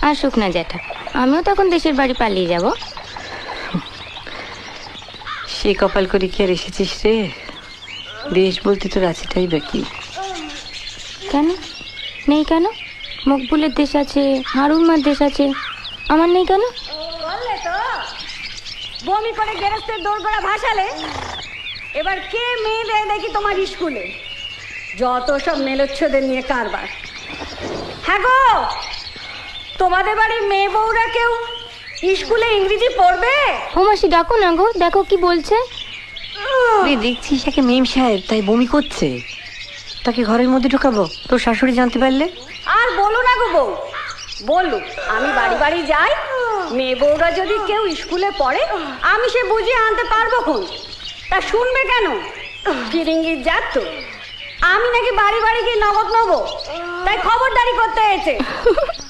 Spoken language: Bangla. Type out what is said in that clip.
আসুক না জ্যাঠা, আমিও তখন দেশের বাড়ি পালিয়ে যাব। সে কপাল করে কি আর এসেছিস রে? দেশ বলতে তোর আছেটাই বাকি। কেন নেই? কেন মকবুলের দেশ আছে, হারুমার দেশ আছে, আমার নেই কেন? বললে তো বমি করে গেরস্তের দোরগোড়া ভাসালে। এবার কে মেয়ে দেয় দেখি তোমার স্কুলে? যত সব মেলোচ্ছদের নিয়ে কারবার। হ্যাঁ গো, তোমাদের বাড়ির মেয়ে বউরা কেউ স্কুলে ইংরেজি পড়বে? ও মাসি ডাকো না গো, দেখো কি বলছে। দেখছিস একে মেম সাহেব, তাই বমি করছে। তাকে ঘরের মধ্যে ঢোকাবো? তোর শাশুড়ি জানতে পারলে? আর বলো না গো বউ, বললো আমি বাড়ি বাড়ি যাই, মেয়ে বউরা যদি কেউ স্কুলে পড়ে আমি সে বুঝিয়ে আনতে পারবো খন। তা শুনবে কেন? ফিরিঙ্গির যাত তো আমি নাকি বাড়ি বাড়ি গিয়ে নগদ নেবো, তাই খবরদারি করতে হয়েছে।